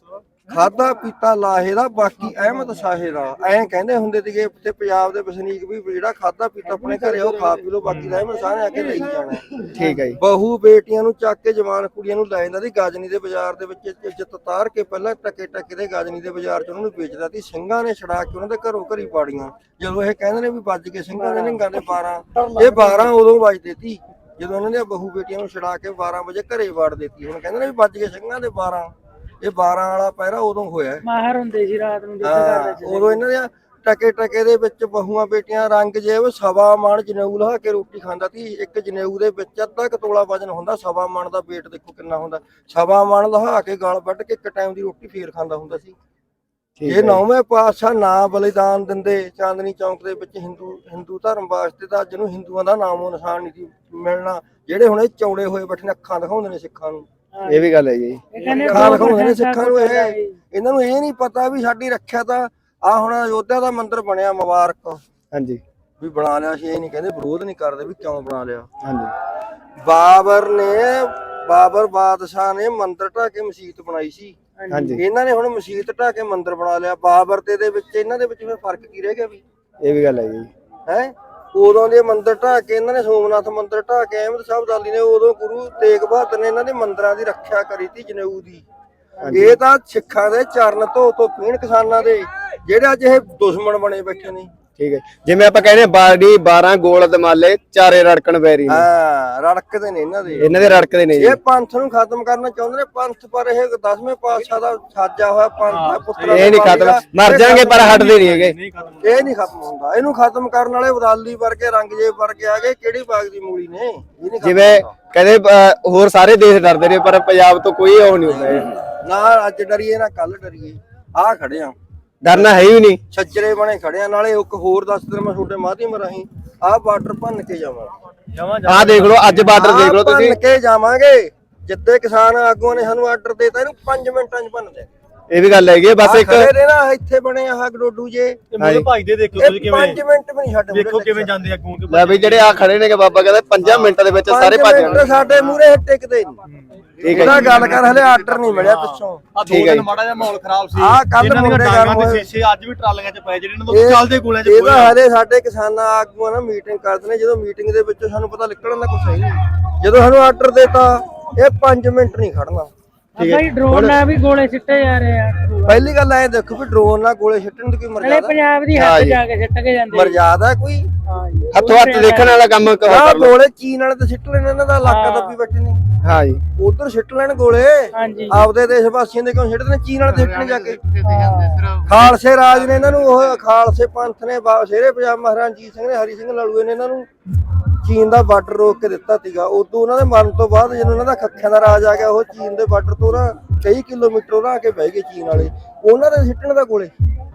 ਖਾਦਾ ਪੀਤਾ ਲਾਹੇ ਦਾ, ਬਾਕੀ ਅਹਿਮਦ ਸਾਹੇ ਦਾ। ਐਂ ਕਹਿੰਦੇ ਹੁੰਦੇ ਸੀਗੇ ਤੇ ਪੰਜਾਬ ਦੇ ਵਸਨੀਕ ਵੀ, ਜਿਹੜਾ ਖਾਦਾ ਪੀਤਾ ਆਪਣੇ ਘਰੇ ਉਹ ਖਾ ਪੀ ਲੋ, ਬਾਕੀ ਦਾ ਅਹਿਮਦ ਸਾਹ ਨੇ ਆ ਕੇ ਲਈ ਜਾਣਾ।
ਠੀਕ ਹੈ ਜੀ।
ਬਹੂ ਬੇਟੀਆਂ ਨੂੰ ਚੱਕ ਕੇ ਜਵਾਨ ਕੁੜੀਆਂ ਨੂੰ ਲੈ ਜਾਂਦਾ ਸੀ ਗਾਜਨੀ ਦੇ ਬਾਜ਼ਾਰ ਦੇ ਵਿੱਚ, ਇੱਜ਼ਤ ਤਾਰ ਕੇ ਪਹਿਲਾਂ ਟਕੇ ਟਕੇ ਦੇ ਗਾਜਨੀ ਦੇ ਬਾਜ਼ਾਰ ਚ ਉਹਨਾਂ ਨੂੰ ਵੇਚਦਾ ਸੀ। ਸਿੰਘਾਂ ਨੇ ਛੜਾ ਕੇ ਉਹਨਾਂ ਦੇ ਘਰੋਂ ਘਰੀ ਪਾੜੀਆਂ। ਜਦੋਂ ਇਹ ਕਹਿੰਦੇ ਨੇ ਵੀ ਵੱਜ ਕੇ ਸਿੰਘਾਂ ਦੇ ਨਿੰਗਾਂ ਦੇ ਬਾਰਾਂ, ਇਹ ਬਾਰਾਂ ਉਦੋਂ ਵੱਜਦੇ ਸੀ ਜਦੋਂ ਇਹਨਾਂ ਦੀਆਂ ਬਹੂ ਬੇਟੀਆਂ ਨੂੰ ਛੜਾ ਕੇ ਬਾਰਾਂ ਵਜੇ ਘਰੇ ਵਾੜ ਦਿੱਤੀ। ਹੁਣ ਕਹਿੰਦੇ ਨੇ ਵੀ ਵੱਜ ਕੇ ਸਿੰਘਾਂ ਦੇ ਬਾਰਾਂ, ਇਹ ਬਾਰਾਂ ਵਾਲਾ ਪਹਿਰਾ ਉਦੋਂ ਹੋਇਆ।
ਮਾਹਰ ਹੁੰਦੇ ਸੀ ਰਾਤ ਨੂੰ
ਉਦੋਂ ਇਹਨਾਂ ਦੇ ਟਕੇ ਟਕੇ ਦੇ ਵਿੱਚ ਬਹੂਆਂ ਬੇਟੀਆਂ ਰੰਗ ਜੇਬ ਸਵਾ ਮਣ ਜਨੇਊ ਲਹਾ ਕੇ ਰੋਟੀ ਖਾਂਦਾ ਸੀ। ਇੱਕ ਜਨੇਊ ਦੇ ਵਿੱਚ ਅੱਧਾ ਕੁ ਤੋਲਾ ਵਜਨ ਹੁੰਦਾ। ਸਵਾ ਮਣ ਦਾ weight ਦੇਖੋ ਕਿੰਨਾ ਹੁੰਦਾ। ਸਵਾ ਮਣ ਲਹਾ ਕੇ ਗਲ ਵੱਢ ਕੇ ਇੱਕ ਟਾਈਮ ਦੀ ਰੋਟੀ ਫੇਰ ਖਾਂਦਾ ਹੁੰਦਾ ਸੀ। ਇਹ ਨੌਵੇਂ ਪਾਤਸ਼ਾਹ ਨਾ ਬਲੀਦਾਨ ਦਿੰਦੇ ਚਾਂਦਨੀ ਚੌਂਕ ਦੇ ਵਿੱਚ ਹਿੰਦੂ ਹਿੰਦੂ ਧਰਮ ਵਾਸਤੇ, ਤਾਂ ਜਿਹਨੂੰ ਹਿੰਦੂਆਂ ਦਾ ਨਾਮੋ ਨਿਸ਼ਾਨ ਨਹੀਂ ਸੀ ਮਿਲਣਾ। ਜਿਹੜੇ ਹੁਣ ਇਹ ਚੌੜੇ ਹੋਏ ਬੈਠੇ ਨੇ, ਅੱਖਾਂ ਦਿਖਾਉਂਦੇ ਨੇ ਸਿੱਖਾਂ ਨੂੰ।
ਇਹ ਵੀ ਗੱਲ ਹੈ ਜੀ,
ਅੱਖਾਂ ਦਿਖਾਉਂਦੇ ਨੇ ਸਿੱਖਾਂ ਨੂੰ। ਇਹ ਇਹਨਾਂ ਨੂੰ ਇਹ ਨਹੀਂ ਪਤਾ ਵੀ ਸਾਡੀ ਰੱਖਿਆ ਤਾਂ ਆ ਹੁਣ ਅਯੋਧਿਆ ਦਾ ਮੰਦਿਰ ਬਣਿਆ, ਮੁਬਾਰਕ
ਹਾਂਜੀ
ਵੀ ਬਣਾ ਲਿਆ ਸੀ। ਇਹ ਨਹੀਂ ਕਹਿੰਦੇ, ਵਿਰੋਧ ਨਹੀਂ ਕਰਦੇ ਵੀ ਕਿਉਂ ਬਣਾ ਲਿਆ।
ਹਾਂਜੀ
ਬਾਬਰ ਨੇ, ਬਾਬਰ ਬਾਦਸ਼ਾਹ ਨੇ ਮੰਦਿਰ ਢਾਹ ਕੇ ਮਸਜਿਦ ਬਣਾਈ ਸੀ।
ਹਾਂਜੀ
ਇਹਨਾਂ ਨੇ ਹੁਣ ਮਸਜਿਦ ਢਾਹ ਕੇ ਮੰਦਿਰ ਬਣਾ ਲਿਆ। ਬਾਬਰ ਤੇ ਦੇ ਵਿੱਚ ਇਹਨਾਂ ਦੇ ਵਿੱਚ ਫਿਰ ਫਰਕ ਕੀ ਰਹਿ ਗਿਆ ਵੀ?
ਇਹ ਵੀ ਗੱਲ ਹੈ ਜੀ।
ਹੈ ਉਦੋਂ ਦੇ ਮੰਦਿਰ ਢਾਹ ਕੇ ਇਹਨਾਂ ਨੇ, ਸੋਮਨਾਥ ਮੰਦਿਰ ਢਾਹ ਕੇ ਅਹਿਮਦ ਸਾਹਿਬ ਅਬਦਾਲੀ ਨੇ, ਉਦੋਂ ਗੁਰੂ ਤੇਗ ਬਹਾਦਰ ਨੇ ਇਹਨਾਂ ਦੇ ਮੰਦਿਰਾਂ ਦੀ ਰੱਖਿਆ ਕਰੀ ਤੀ ਜਨੇਊ ਦੀ। ਇਹ ਤਾਂ ਸਿੱਖਾਂ ਦੇ ਚਰਨ ਧੋ ਧੋ ਪੀਣ ਕਿਸਾਨਾਂ ਦੇ, ਜਿਹੜੇ ਅੱਜ ਇਹ ਦੁਸ਼ਮਣ ਬਣੇ ਬੈਠੇ ਨੇ।
ਠੀਕ ਹੈ, ਜਿਵੇਂ ਆਪਾਂ ਕਹਿੰਦੇ ਬਾੜੀ ਬਾਰਾਂ ਗੋਲ ਦਮਾਲੇ ਚਾਰੇ ਰੜਕਣ ਬੈਰੀ ਨੇ।
ਹਾਂ ਰੜਕਦੇ ਨੇ ਇਹਨਾਂ ਦੇ,
ਇਹਨਾਂ ਦੇ ਰੜਕਦੇ ਨੇ ਜੀ।
ਇਹ ਪੰਥ ਨੂੰ ਖਤਮ ਕਰਨਾ ਚਾਹੁੰਦੇ ਨੇ। ਪੰਥ ਪਰ ਇਹ ਦਸਵੇਂ ਪਾਤਸ਼ਾਹ ਦਾ ਸਾਜਾ ਹੋਇਆ ਪੰਥ ਹੈ। ਪੁੱਤਰਾਂ
ਇਹ ਨਹੀਂ ਖਤਮ, ਮਰ ਜਾਣਗੇ ਪਰ ਹਟਦੇ ਨਹੀਂ ਹੈਗੇ।
ਇਹ ਨਹੀਂ ਖਤਮ ਹੁੰਦਾ। ਇਹਨੂੰ ਖਤਮ ਕਰਨ ਵਾਲੇ ਅਬਦਾਲੀ ਵਰਗੇ, ਰੰਗਜੇਬ ਵਰਗੇ ਆ ਗਏ। ਕਿਹੜੀ ਬਾਗ ਦੀ ਮੂਲੀ ਨੇ? ਇਹ ਨਹੀਂ
ਜਿਵੇਂ ਕਹਿੰਦੇ ਹੋਰ ਸਾਰੇ ਦੇਸ਼ ਡਰਦੇ ਨੇ, ਪਰ ਪੰਜਾਬ ਤੋਂ ਕੋਈ ਉਹ ਨਹੀਂ ਹੁੰਦਾ।
ਨਾ ਅੱਜ ਡਰੀਏ ਨਾ ਕੱਲ ਡਰੀਏ। ਆ ਖੜੇ ਆ
ਡਰਨਾ ਹੈ ਹੀ ਨਹੀਂ।
ਛੱਜਰੇ ਬਣੇ ਖੜਿਆ। ਨਾਲੇ ਇੱਕ ਹੋਰ ਦੱਸ ਦਿਨ ਮੈਂ ਛੋਟੇ ਮਾਧਿਅਮ ਰਾਹੀਂ ਆਹ ਬਾਰਡਰ ਭੰਨ ਕੇ ਜਾਵਾਂਗੇ।
ਜਮਾਂ
ਆਹ ਦੇਖ ਲਓ ਅੱਜ ਬਾਰਡਰ ਦੇਖ ਲਓ ਤੁਸੀਂ,
ਭੰਨ ਕੇ ਜਾਵਾਂਗੇ। ਜਿੱਦੇ ਕਿਸਾਨ ਆਗੂਆਂ ਨੇ ਸਾਨੂੰ ਆਰਡਰ ਦੇਤਾ ਇਹਨੂੰ ਪੰਜ ਮਿੰਟਾਂ 'ਚ ਭੰਨ ਦੇ।
ਇਹ ਵੀ ਗੱਲ ਹੈਗੀ ਹੈ। ਬਸ ਇੱਕ
ਖੜੇ ਨੇ ਨਾ ਇੱਥੇ ਬਣੇ ਆਹ ਗਡੋਡੂ ਜੇ,
ਮੇਰੇ ਭਾਈ ਦੇ ਦੇਖੋ ਤੁਸੀਂ ਕਿਵੇਂ
ਪੰਜ ਮਿੰਟ ਵੀ ਨਹੀਂ ਛੱਡ
ਦੇਖੋ ਕਿਵੇਂ ਜਾਂਦੇ ਅੱਗੋਂ ਕੇ
ਲੈ ਬਈ ਜਿਹੜੇ ਆ ਖੜੇ ਨੇ ਕਿ ਬਾਬਾ ਕਹਿੰਦਾ ਪੰਜਾਂ ਮਿੰਟਾਂ ਦੇ ਵਿੱਚ ਸਾਰੇ ਭੱਜ ਜਾਣਗੇ।
ਸਾਡੇ ਮੂਹਰੇ ਟਿਕਦੇ ਨਹੀਂ।
ਠੀਕ ਹੈ
ਇਹਦਾ ਗੱਲ ਕਰ ਹਲੇ ਆਰਡਰ ਨਹੀਂ ਮਿਲਿਆ ਪਿੱਛੋਂ।
ਆ ਦੋ ਦਿਨ ਮਾੜਾ ਜਿਹਾ ਮਾਹੌਲ ਖਰਾਬ ਸੀ।
ਆਹ ਕੱਲ੍ਹ
ਇਹਨਾਂ ਦੀਆਂ
ਮੁੰਡੇ
ਡਾਂਗਾਂ
ਗੱਲ
ਦੇ
ਹੋਏ।
ਸ਼ੀਸ਼ੇ ਅੱਜ ਵੀ ਟਰਾਲੀਆਂ 'ਚ ਪਏ ਜਿਹੜੇ ਇਹਨਾਂ ਤੋਂ ਚੱਲਦੇ ਗੋਲਿਆਂ 'ਚ
ਇਹਦਾ ਹਲੇ ਸਾਡੇ ਕਿਸਾਨਾਂ ਆਗੂਆਂ ਨਾਲ ਮੀਟਿੰਗ ਕਰਦੇ ਨੇ। ਜਦੋਂ ਮੀਟਿੰਗ ਦੇ ਵਿੱਚੋਂ ਸਾਨੂੰ ਪਤਾ ਨਿਕਲਣ ਦਾ ਕੁਛ ਹੈ ਨਹੀਂ। ਜਦੋਂ ਸਾਨੂੰ ਆਰਡਰ ਦੇਤਾ ਇਹ ਪੰਜ ਮਿੰਟ ਨਹੀਂ ਖੜਨਾ।
ਭਾਈ ਡਰੋਨ ਨਾਲ ਵੀ ਗੋਲੇ ਸਿੱਟੇ ਜਾ ਰਹੇ ਆ।
ਪਹਿਲੀ ਗੱਲ ਐ ਦੇਖੋ ਵੀ ਡਰੋਨ ਨਾਲ ਗੋਲੇ ਸਿੱਟਣ ਦੀ ਕੋਈ
ਨਾਲੇ
ਮਰਜ਼ਾਦਾ
ਪੰਜਾਬ ਦੀ ਹੱਦ ਜਾ ਕੇ ਸਿੱਟ ਕੇ ਜਾਂਦੇ।
ਮਰਜ਼ਾਦਾ ਕੋਈ
ਹਾਂ ਜੀ
ਹੱਥੋਂ ਹੱਥ ਦੇਖਣ ਵਾਲਾ ਕੰਮ
ਆਹ
ਕਰ ਲਓ।
ਗੋਲੇ ਚੀਨ ਵਾਲੇ ਤੇ ਸਿੱਟ ਲੈਣ, ਇਹਨਾਂ ਦਾ ਇਲਾਕਾ ਦੱਬੀ ਬੈਠੇ ਨੇ।
ਹਾਂ ਜੀ
ਉਧਰ ਸਿੱਟ ਲੈਣ ਗੋਲੇ,
ਹਾਂਜੀ
ਆਪਦੇ ਦੇਸ਼ ਵਾਸੀਆਂ ਦੇ ਕਿਉਂ ਸਿੱਟਦੇ ਨੇ? ਚੀਨ ਵਾਲੇ ਤੇ ਸਿੱਟਣ ਜਾ ਕੇ। ਖਾਲਸੇ ਰਾਜ ਨੇ ਇਹਨਾਂ ਨੂੰ, ਉਹ ਖਾਲਸੇ ਪੰਥ ਨੇ, ਸ਼ੇਰੇ ਪੰਜਾਬ ਮਹਾਰਾਜਾ ਰਣਜੀਤ ਸਿੰਘ ਨੇ, ਹਰੀ ਸਿੰਘ ਲਾਲੂਏ ਨੇ ਇਹਨਾਂ ਨੂੰ ਚੀਨ ਦਾ ਬਾਰਡਰ ਰੋਕ ਕੇ ਦਿੱਤਾ ਸੀਗਾ। ਉਦੋਂ ਉਹਨਾਂ ਦੇ ਮਰਨ ਤੋਂ ਬਾਅਦ ਜਦੋਂ ਉਹਨਾਂ ਦਾ ਖੱਖਿਆਂ ਦਾ ਰਾਜ ਆ ਗਿਆ, ਉਹ ਚੀਨ ਦੇ ਬਾਰਡਰ ਤੋਂ ਨਾ ਕਈ ਕਿਲੋਮੀਟਰ ਉਹ ਆ ਕੇ ਬਹਿ ਗਏ ਚੀਨ ਵਾਲੇ। ਉਹਨਾਂ ਦੇ ਸਿੱਟਣ ਦਾ ਗੋਲੇ